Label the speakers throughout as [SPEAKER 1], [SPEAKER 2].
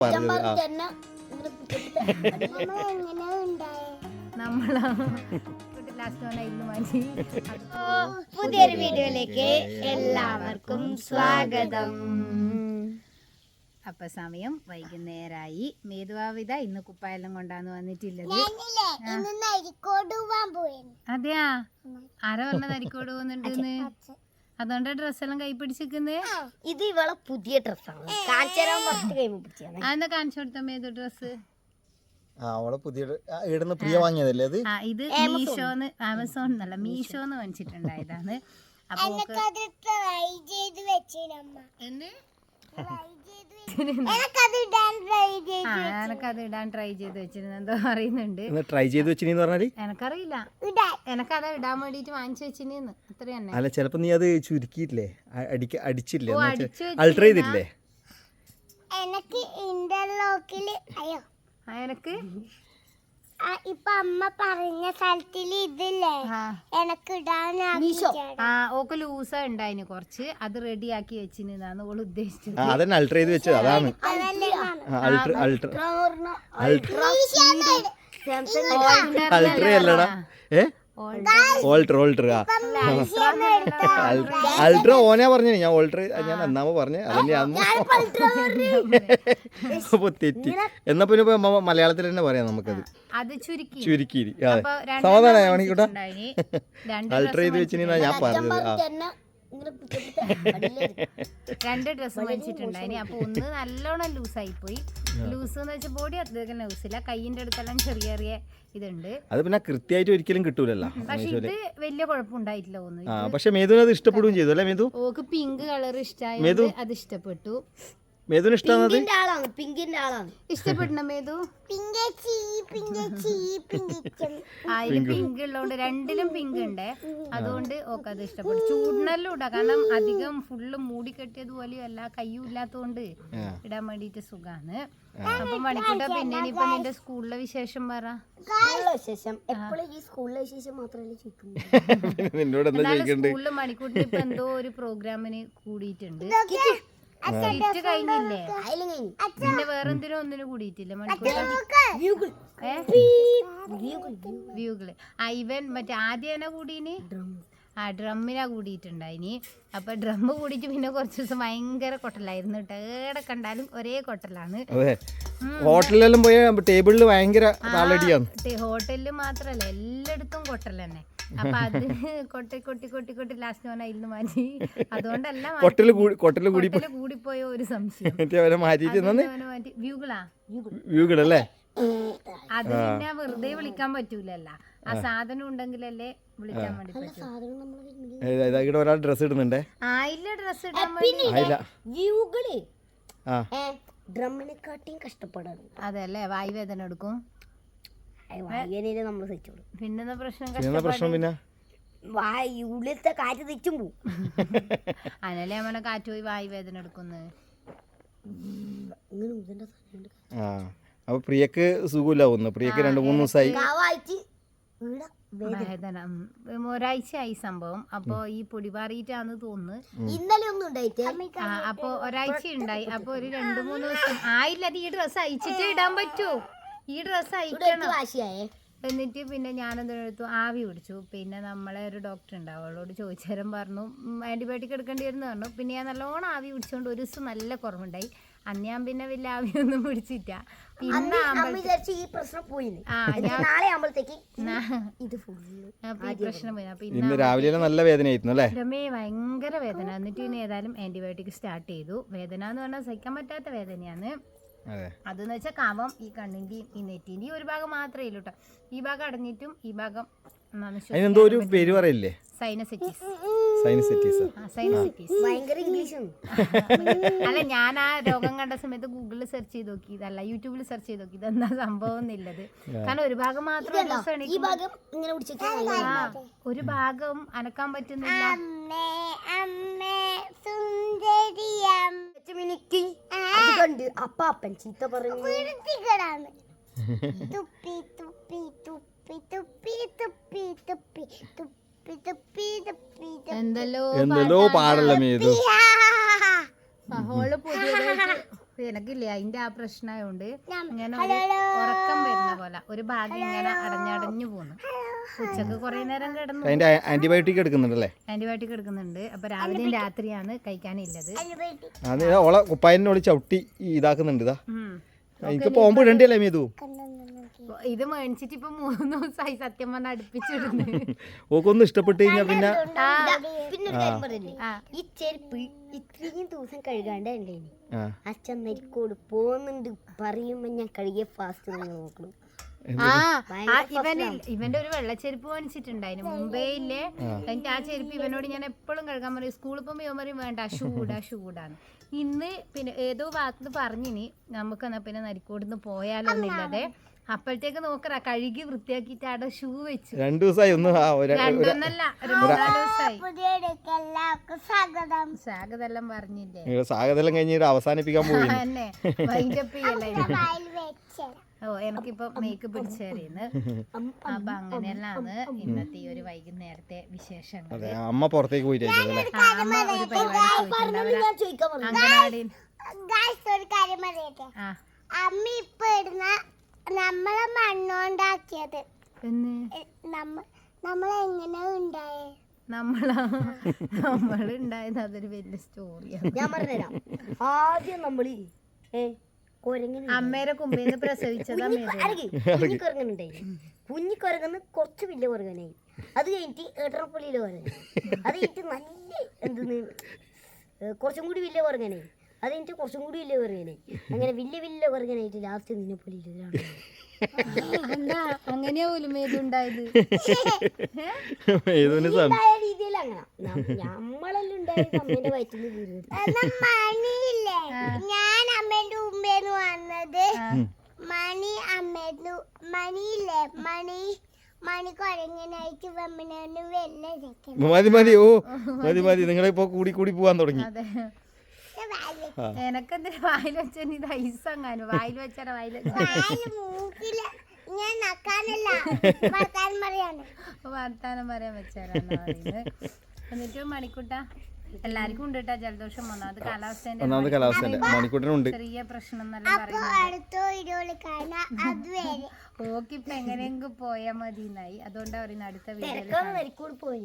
[SPEAKER 1] പുതിയൊരു വീഡിയോയിലേക്ക് എല്ലാവർക്കും സ്വാഗതം. അപ്പൊ സമയം വൈകുന്നേരമായി. മേധുവാവിത ഇന്ന് കുപ്പായെല്ലാം കൊണ്ടാന്ന് വന്നിട്ടില്ലത്. അതെയാ, ആരാ പറഞ്ഞ നരിക്കോട് പോകുന്നുണ്ടെന്ന്? അതുകൊണ്ട് ഡ്രസ്സെല്ലാം കൈ പിടിച്ചിരിക്കുന്നേ.
[SPEAKER 2] ഇത് ഇവളെ പുതിയ ഡ്രസ്സാണ്.
[SPEAKER 1] അതെന്താ കാണിച്ചു കൊടുത്ത മേധു ഡ്രസ്?
[SPEAKER 3] പ്രിയ വാങ്ങിയതല്ലേ അത്?
[SPEAKER 1] ഇത് മീഷോന്ന്, ആമസോൺ എന്നല്ല മീഷോന്ന് വാങ്ങിച്ചിട്ടുണ്ടായതാണ്. അപ്പൊ എനക്കത് ഇടാൻ ട്രൈ ചെയ്ത് വെച്ചിരുന്നു. എന്തോ പറയുന്നുണ്ട്.
[SPEAKER 3] ട്രൈ ചെയ്ത് വെച്ചിന്ന് പറഞ്ഞാല്
[SPEAKER 1] എനക്കറിയില്ല. എനക്കത് ഇടാൻ വേണ്ടിട്ട് വാങ്ങിച്ചു വെച്ചിരുന്നു. അത്ര തന്നെ.
[SPEAKER 3] അല്ല, ചിലപ്പോ നീ അത് ചുരുക്കിയില്ലേ, അടിച്ചില്ലേ, അൾട്ടർ ചെയ്തില്ലേ?
[SPEAKER 1] എനക്ക്
[SPEAKER 2] ഇപ്പൊ അമ്മ പറഞ്ഞ സ്ഥലത്തില് ഇതില്ലേ എനക്ക് ഇടാൻ
[SPEAKER 1] ഓക്ക് ലൂസ ഉണ്ടായിന് കുറച്ച്, അത് റെഡിയാക്കി വെച്ചിരുന്നാണ് ഓള് ഉദ്ദേശിച്ചത്.
[SPEAKER 3] അതന്നെ അൾട്ടർ ചെയ്ത് വെച്ചത് അതാണ്. അൾട്ടർ അല്ലടാ, ഓൾട്ടർ അൾട്ര ഓനാ പറഞ്ഞു. ഞാൻ ഓൾട്ടർ ഞാൻ എന്നാമോ പറഞ്ഞു. അതന്നെ അപ്പൊ തെറ്റി. എന്നാ പിന്നെ മലയാളത്തിൽ തന്നെ പറയാം നമുക്കത്. ചുരുക്കി സമാധാനം ആവണിക്കൂട്ടാ. അൾട്ടർ ചെയ്ത് വെച്ചിനാ ഞാൻ പറഞ്ഞത്.
[SPEAKER 1] രണ്ട് ഡ്രസ്സ് മേടിച്ചിട്ടുണ്ടായിന്. അപ്പൊ ഒന്ന് നല്ലോണം ലൂസായി പോയി. ലൂസ് എന്ന് വെച്ചാൽ ബോഡി അത്രയ്ക്ക് ലൂസില്ല, കൈയിന്റെ അടുത്തെല്ലാം ചെറിയ ചെറിയ ഇതുണ്ട്.
[SPEAKER 3] അത് പിന്നെ കൃത്യമായിട്ട് ഒരിക്കലും കിട്ടൂലല്ലോ.
[SPEAKER 1] പക്ഷെ ഇത് വലിയ കുഴപ്പമുണ്ടായിട്ടില്ല തോന്നുന്നു.
[SPEAKER 3] പക്ഷെ മേധുവിന് അത് ഇഷ്ടപ്പെടുകയും ചെയ്തു അല്ലേ? മേധു
[SPEAKER 1] ഓക്ക് പിങ്ക് കളർ ഇഷ്ടമായി, അത് ഇഷ്ടപ്പെട്ടു.
[SPEAKER 3] മേധുവിന് ഇഷ്ടമാണ്.
[SPEAKER 1] ഇഷ്ടപ്പെട്ട മേധു പിങ്ക് ഉള്ളതുകൊണ്ട് രണ്ടിലും പിങ്ക് ഉണ്ട്. അതുകൊണ്ട് ഓക്ക് അത് ഇഷ്ടപ്പെട്ടു. ചൂടിനെല്ലാം ഇടാം, കാരണം അധികം ഫുള്ള് മൂടി കെട്ടിയത് പോലെയും അല്ല, കയ്യും ഇല്ലാത്തോണ്ട് ഇടാൻ വേണ്ടിട്ട് സുഖാണ്. അപ്പൊ മണിക്കൂട്ട, പിന്നെ ഇനിയിപ്പൊ നിന്റെ സ്കൂളിലെ വിശേഷം പറ. സ്കൂളില് മണിക്കൂട്ടിന് ഇപ്പൊ എന്തോ ഒരു പ്രോഗ്രാമിന് കൂടിയിട്ടുണ്ട്. സീറ്റ് കഴിഞ്ഞില്ലേ? പിന്നെ വേറെന്തിനും ഒന്നിനും കൂടിയിട്ടില്ല വ്യൂകള്. ഇവൻ മറ്റേ ആദ്യം കൂടീന് ഡ്രമ്മിനാ കൂടിയിട്ടുണ്ടായിനി. അപ്പൊ ഡ്രമ്മ് കൂടിയിട്ട് പിന്നെ കുറച്ച് ദിവസം ഭയങ്കര കൊട്ടലായിരുന്നു കേട്ടോ. ഏടെ കണ്ടാലും ഒരേ കൊട്ടലാണ്.
[SPEAKER 3] ഹോട്ടലിലെല്ലാം പോയ ടേബിളിൽ ഭയങ്കര
[SPEAKER 1] ഹോട്ടലില് മാത്രല്ല, എല്ലായിടത്തും കൊട്ടൽ തന്നെ. അപ്പൊ അത് കൊട്ടി കൊട്ടി കൊട്ടി കൊട്ടി ലാസ്റ്റ് ഓൻ അതിൽ നിന്ന് മാറ്റി. അതുകൊണ്ടല്ല കൂടിപ്പോയ ഒരു സംശയം. മാറ്റി വ്യൂകളല്ലേ. അത് പിന്നെ വെറുതെ വിളിക്കാൻ പറ്റൂലല്ലോ, ആ സാധനം ഉണ്ടെങ്കിലല്ലേ വിളിക്കാൻ വേണ്ടി പറ്റൂ.
[SPEAKER 3] ഒരാൾ ഡ്രസ് ഇടുന്നുണ്ടേ.
[SPEAKER 1] ആയില്ല, ഡ്രസ് ഇടാൻ
[SPEAKER 2] ഡ്രമ്മിനെക്കാട്ടിയും കഷ്ടപ്പെടാണ്.
[SPEAKER 1] അതല്ലേ, വായുവേദന എടുക്കും. പിന്നെന്താ പ്രശ്നം?
[SPEAKER 3] പിന്നെ
[SPEAKER 2] ഉള്ളിലത്തെ കാറ്റ് തിരിച്ചും പോവും.
[SPEAKER 1] അതല്ലേ നമ്മളെ കാറ്റ് പോയി വായുവേദന എടുക്കുന്നത്.
[SPEAKER 3] അപ്പൊ പ്രിയക്ക് സുഖമില്ലാവുന്നു. പ്രിയക്ക് 2-3 ദിവസമായി
[SPEAKER 1] വേദന. ഒരാഴ്ചയായി സംഭവം. അപ്പൊ ഈ പൊടി പാറിയിട്ടാന്ന് തോന്നുന്നു.
[SPEAKER 2] ഇന്നലെ ഒന്നും ഉണ്ടായിട്ട്
[SPEAKER 1] അപ്പൊ ഒരാഴ്ച ഉണ്ടായി. അപ്പൊ ഒരു 2-3 ദിവസം ആയില്ല. അത് ഈ ഡ്രസ്സ് അയച്ചിട്ട് ഇടാൻ പറ്റൂ. ഈ ഡ്രസ്സ് അയക്കണം. എന്നിട്ട് പിന്നെ ഞാനെന്തെടുത്തു, ആവി പിടിച്ചു. പിന്നെ നമ്മളെ ഒരു ഡോക്ടർ ഉണ്ടാവും, അവളോട് ചോദിച്ചേരം പറഞ്ഞു ആന്റിബയോട്ടിക് എടുക്കേണ്ടി വരുന്ന പറഞ്ഞു. പിന്നെ ഞാൻ നല്ലോണം ആവി പിടിച്ചുകൊണ്ട് ഒരു ദിവസം നല്ല കുറവുണ്ടായി. അന്ന് ഞാൻ പിന്നെ വലിയ ആവിയൊന്നും പിടിച്ചില്ല. പിന്നെ പ്രശ്നം പോയി. അപ്പൊ ഇന്ന്
[SPEAKER 3] രാവിലെ നല്ല വേദനയായിരുന്നു അല്ലേ?
[SPEAKER 1] ഭയങ്കര വേദന. എന്നിട്ട് പിന്നെ ഏതായാലും ആന്റിബയോട്ടിക് സ്റ്റാർട്ട് ചെയ്തു. വേദന എന്ന് പറഞ്ഞാൽ സഹിക്കാൻ പറ്റാത്ത വേദനയാണ്. അതെന്ന് വെച്ചാൽ കവം ഈ കണ്ണിന്റെയും ഈ നെറ്റിന്റെയും ഒരു ഭാഗം മാത്രമേ ഇല്ലൂ കേട്ടോ. ഈ ഭാഗം അടഞ്ഞിട്ടും ഈ ഭാഗം
[SPEAKER 3] എന്തോ ഒരു പേര് പറയില്ലേ,
[SPEAKER 1] സൈനസൈറ്റിസ്. അല്ല, ഞാൻ ആ രോഗം കണ്ട സമയത്ത് ഗൂഗിളിൽ സെർച്ച് ചെയ്ത് നോക്കി, ഇതല്ല യൂട്യൂബിൽ സെർച്ച് ചെയ്ത് നോക്കി, ഇതെന്താ സംഭവം എന്നുള്ളത്. കാരണം ഒരു ഭാഗം മാത്രം, ഒരു ഭാഗം അനക്കാൻ പറ്റുന്നില്ല.
[SPEAKER 2] അപ്പാപ്പൻ ചീത്ത പറഞ്ഞു.
[SPEAKER 1] എന്തെല്ലോ പാടല്ല.
[SPEAKER 3] മേതു
[SPEAKER 1] ഹോള് പുതിയതായിട്ട് എനക്കില്ലേ അതിന്റെ ആ പ്രശ്നമായോണ്ട് ഇങ്ങനെ ഒരു ഉറക്കം വരുന്ന പോലെ ഒരു ഭാഗം ഇങ്ങനെ അടഞ്ഞടഞ്ഞു പോന്നു. ഉച്ചക്ക് കുറെ നേരം കിടന്നു.
[SPEAKER 3] അതിന്റെ ആന്റിബയോട്ടിക് എടുക്കുന്നുണ്ടല്ലേ?
[SPEAKER 1] ആന്റിബയോട്ടിക് എടുക്കുന്നുണ്ട്. അപ്പൊ രാവിലെയും രാത്രിയാണ് കഴിക്കാനില്ലത്.
[SPEAKER 3] അത് ഓളെ കുപ്പായനോട് ചവിട്ടി ഇതാക്കുന്നുണ്ട്. ഇതാ എനിക്ക് പോകുമ്പോ ഇടണ്ടല്ലേ മേതു?
[SPEAKER 1] ഇത് മേടിച്ചിട്ട് ഇപ്പൊ 3 ദിവസമായി സത്യം പറഞ്ഞാൽ അടുപ്പിച്ചിടുന്നു.
[SPEAKER 3] ഓക്കൊന്നും ഇഷ്ടപ്പെട്ട് കഴിഞ്ഞാ പിന്നെ
[SPEAKER 2] ഈ ചെരുപ്പ് ഇത്രയും ദിവസം കഴുകാണ്ടേ അച്ഛൻ നരിക്കോട് പോകുന്നുണ്ട് പറയുമ്പോ ഞാൻ കഴുകിയ ഫാസ്റ്റ് നോക്കണം.
[SPEAKER 1] ഇവന്റെ ഒരു വെള്ളച്ചെരുപ്പ് മേടിച്ചിട്ടുണ്ടായിരുന്നു മുംബൈയിലെ. എനിക്ക് ആ ചെരുപ്പ് ഇവനോട് ഞാൻ എപ്പോഴും കഴുകാൻ പറയും. സ്കൂളിൽ പോകുമ്പോ ഇവൻ പറയും വേണ്ട ഷൂടാണ്. ഇന്ന് പിന്നെ ഏതോ ഭാഗത്ത് പറഞ്ഞിനി നമുക്ക് എന്നാ പിന്നെ നരിക്കോടുന്ന് പോയാലോ എന്നില്ലതെ. അപ്പോഴത്തേക്ക് നോക്കറ കഴുകി വൃത്തിയാക്കിട്ട് അവിടെ ഷൂ വെച്ചു.
[SPEAKER 3] 2 ദിവസമായി.
[SPEAKER 1] രണ്ടൊന്നല്ല 3-4 ദിവസമായി. സ്വാഗതം പറഞ്ഞില്ലേ?
[SPEAKER 3] സ്വാഗതം കഴിഞ്ഞിട്ട് അവസാനിപ്പിക്കാൻ പോയി.
[SPEAKER 1] തന്നെ വൈൻഡപ്പ് ചെയ്യല്ല. ഓ എനിക്കിപ്പോ മേക്ക് പിടിച്ചേറിയെന്ന്. അപ്പൊ അങ്ങനെയല്ലാന്ന് ഇന്നത്തെ ഈ ഒരു വൈകുന്നേരത്തെ വിശേഷങ്ങൾ.
[SPEAKER 3] അമ്മ പുറത്തേക്ക് പോയിട്ട്
[SPEAKER 1] അമ്മ ഒരു പരിപാടി അംഗനവാടി.
[SPEAKER 4] അമ്മ ഇപ്പൊ ഇടുന്ന നമ്മളെ മണ്ണോണ്ടാക്കിയത് നമ്മളെങ്ങനെ ഉണ്ടായേ?
[SPEAKER 1] നമ്മളുണ്ടായത് അതൊരു വലിയ സ്റ്റോറിയാണ്.
[SPEAKER 2] ഞാൻ പറഞ്ഞുതരാം. ആദ്യം നമ്മള്
[SPEAKER 1] അമ്മേരെ കുമ്പേന്ന് പ്രസവിച്ചതാ.
[SPEAKER 2] കുഞ്ഞിക്കുരങ്ങനുണ്ടായി. കുഞ്ഞിക്കുരങ്ങന്ന് കുറച്ച് വലിയ കുരങ്ങനായി. അത് കഴിഞ്ഞിട്ട് ഏട്ടറപ്പള്ളിയിലെ കുരങ്ങൻ. അത് കഴിഞ്ഞിട്ട് നല്ല എന്തെന്ന് കുറച്ചും കൂടി വലിയ കുരങ്ങനായി. അത് കഴിഞ്ഞിട്ട് കുറച്ചും കൂടി വലിയ കുരങ്ങനായി. അങ്ങനെ വലിയ കുരങ്ങനായിട്ട് ലാസ്റ്റ് നിന്നെപ്പള്ളിയിലാണ്.
[SPEAKER 1] അങ്ങനെയാ പോലും ഏതുണ്ടായത്
[SPEAKER 2] രീതിയിൽ അങ്ങനെ നമ്മളെല്ലാം ഉണ്ടായത് അമ്മേന്റെ വയറ്റിൽ
[SPEAKER 4] മണിയില്ലേ, ഞാൻ അമ്മേന്റെ മുമ്പേന്ന് വന്നത്. മണിയില്ലേ മണി കുരങ്ങനായിട്ട് വമ്മനോണ്ട് വെള്ളം
[SPEAKER 3] മതി നിങ്ങളിപ്പോ കൂടി പോവാൻ തുടങ്ങി.
[SPEAKER 1] എനക്കെന്തിനാ വായിൽ വെച്ച ഇത് ഐസങ്ങാനും വായിൽ വെച്ചാ
[SPEAKER 4] മൂക്കില് ഞാൻ നക്കാനല്ല
[SPEAKER 1] വർത്താനം പറയാൻ വെച്ചാരാന്ന് പറയുന്നത്. എന്നിട്ട് മണിക്കൂട്ട എല്ലാവർക്കും ഉണ്ട് കേട്ടാ ജലദോഷം വന്നത്. കാലാവസ്ഥേന്റെ
[SPEAKER 3] മണിക്കൂട്ടനുണ്ട്
[SPEAKER 1] ചെറിയ പ്രശ്നം എന്നെല്ലാം പറയുന്നത്. ഓക്കിപ്പൊ എങ്ങനെയെങ്കിലും പോയാ മതി എന്നായി. അതുകൊണ്ടാ പറയുന്നത് അടുത്ത വീഡിയോയിൽ
[SPEAKER 2] പോയി.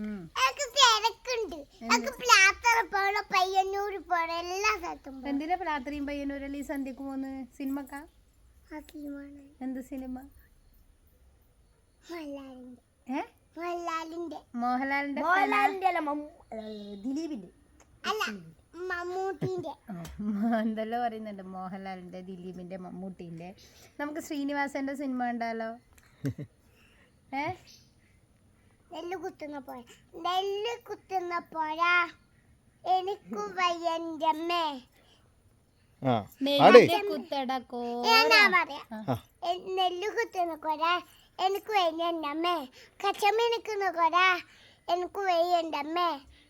[SPEAKER 1] എന്തിനാ രാത്രിയും പയ്യന്നൂരല്ലേ ഈ സന്ധ്യക്ക് പോന്ന്? സിനിമക്കാ? എന്ത് സിനിമ?
[SPEAKER 4] മോഹൻലാലിന്റെ
[SPEAKER 2] ദിലീപിന്റെ
[SPEAKER 1] എന്തെല്ലോ പറയുന്നുണ്ട്. മോഹൻലാലിന്റെ, ദിലീപിന്റെ, മമ്മൂട്ടിന്റെ. നമുക്ക് ശ്രീനിവാസന്റെ സിനിമ ഉണ്ടല്ലോ.
[SPEAKER 4] നെല്ല് കുത്തുന്ന പോരാ എനിക്ക് വയ്യൻ്റമ്മേ.
[SPEAKER 1] നെല്ല് കുത്തടക്കോ
[SPEAKER 4] നെല്ല് കുത്തുന്ന കൊരാ എനിക്ക് വയ്യൻ്റമ്മേ. കച്ചമണിക്കുന്ന കൊരാ എനിക്ക് വയ്യൻ്റമ്മേ.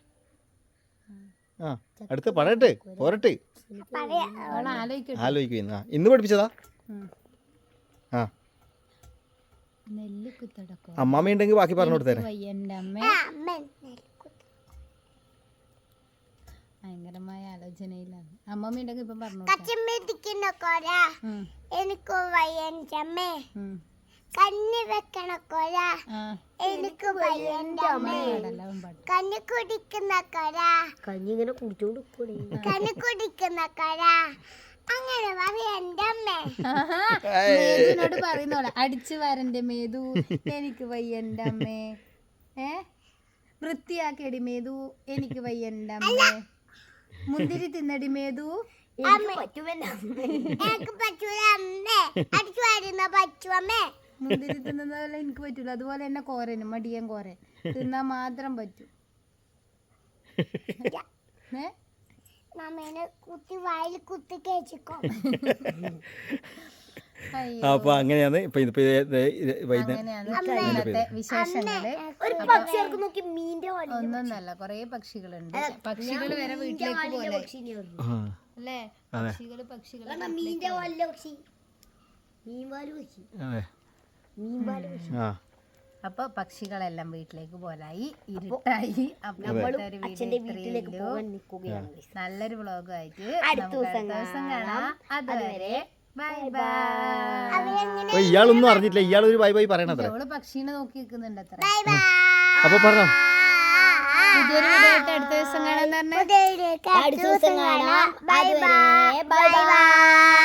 [SPEAKER 3] അടുത്ത് പറയട്ടെ പോരട്ടെ ആലോചിക്കുന്ന ഇന്ന് പഠിപ്പിച്ചതാ.
[SPEAKER 1] നെല്ല് കുത്തടക്കോ
[SPEAKER 3] അമ്മാമ്മ ഉണ്ടെങ്കിൽ ബാക്കി പറഞ്ഞു കൊടുത്തേരെ.
[SPEAKER 1] ഭയങ്കരമായ ആലോചനയിലാണ്. അമ്മമ്മ ഉണ്ടെങ്കിൽ ഇപ്പം പറഞ്ഞു.
[SPEAKER 4] കച്ചമണിക്കുന്ന കൊരാ എനിക്ക് വയ്യൻ്റമ്മേ. കഞ്ഞി വെക്കണ കൊര എനിക്ക് വയ്യൻ്റമ്മേ. കഞ്ഞി കുടിക്കുന്ന കൊര
[SPEAKER 2] കഞ്ഞി ഇങ്ങനെ കുടിച്ചോണ്ട്
[SPEAKER 4] കഞ്ഞി കുടിക്കുന്ന കൊര അങ്ങനെ പറയൻ്റെ അമ്മേ.
[SPEAKER 1] മേതുവിനോട് പറയുന്നോളെ അടിച്ചു വരന്റെ മേതു എനിക്ക് വയ്യൻ്റെ അമ്മേ. വൃത്തിയാക്കിയടി മേതു എനിക്ക് വയ്യൻ്റെ അമ്മേ. മുന്തിരി തിന്നടി മേതു
[SPEAKER 4] എനിക്ക് പറ്റൂല അമ്മേ. അടിച്ചു വരുന്ന പറ്റുമേ.
[SPEAKER 1] മുന്തിരി തിന്നുന്ന പോലെ എനിക്ക് പറ്റൂല. അതുപോലെ തന്നെ കോരനും മടിയൻ കോരൻ തിന്നാൻ മാത്രം പറ്റും.
[SPEAKER 4] കുത്തി വായിൽ കുത്തി കേച്ചിക്കോ.
[SPEAKER 3] അപ്പൊ അങ്ങനെയാണ്
[SPEAKER 1] വിശേഷങ്ങള്. ഒന്നൊന്നല്ല കൊറേ പക്ഷികളുണ്ട്. പക്ഷികൾ വരെ വീട്ടിലേക്ക് പോലെ അല്ലേ? പക്ഷികള് അപ്പൊ പക്ഷികളെല്ലാം വീട്ടിലേക്ക് പോലായി, ഇരുട്ടായി. അപ്പൊ ഇന്നത്തെ ഒരു വീഡിയോ ഇത്രയേ ഉള്ളൂ. നല്ലൊരു വ്ളോഗായിട്ട് അടുത്ത ദിവസം കാണാം. അതുവരെ ബൈ ബൈ.
[SPEAKER 3] ഇയാളൊന്നും അറിഞ്ഞിട്ടില്ല, ഇയാളൊരു ബൈ ബൈ പറയണത്ര.
[SPEAKER 1] അവള് പക്ഷീനെ നോക്കി നിൽക്കുന്നുണ്ട് അത്ര.
[SPEAKER 3] അപ്പൊ പറഞ്ഞോ,
[SPEAKER 1] പുതിയൊരു വീഡിയോ ആയിട്ട് അടുത്ത ദിവസം കാണാൻ പറഞ്ഞ
[SPEAKER 2] അടുത്ത ദിവസം കാണാം. Bye by.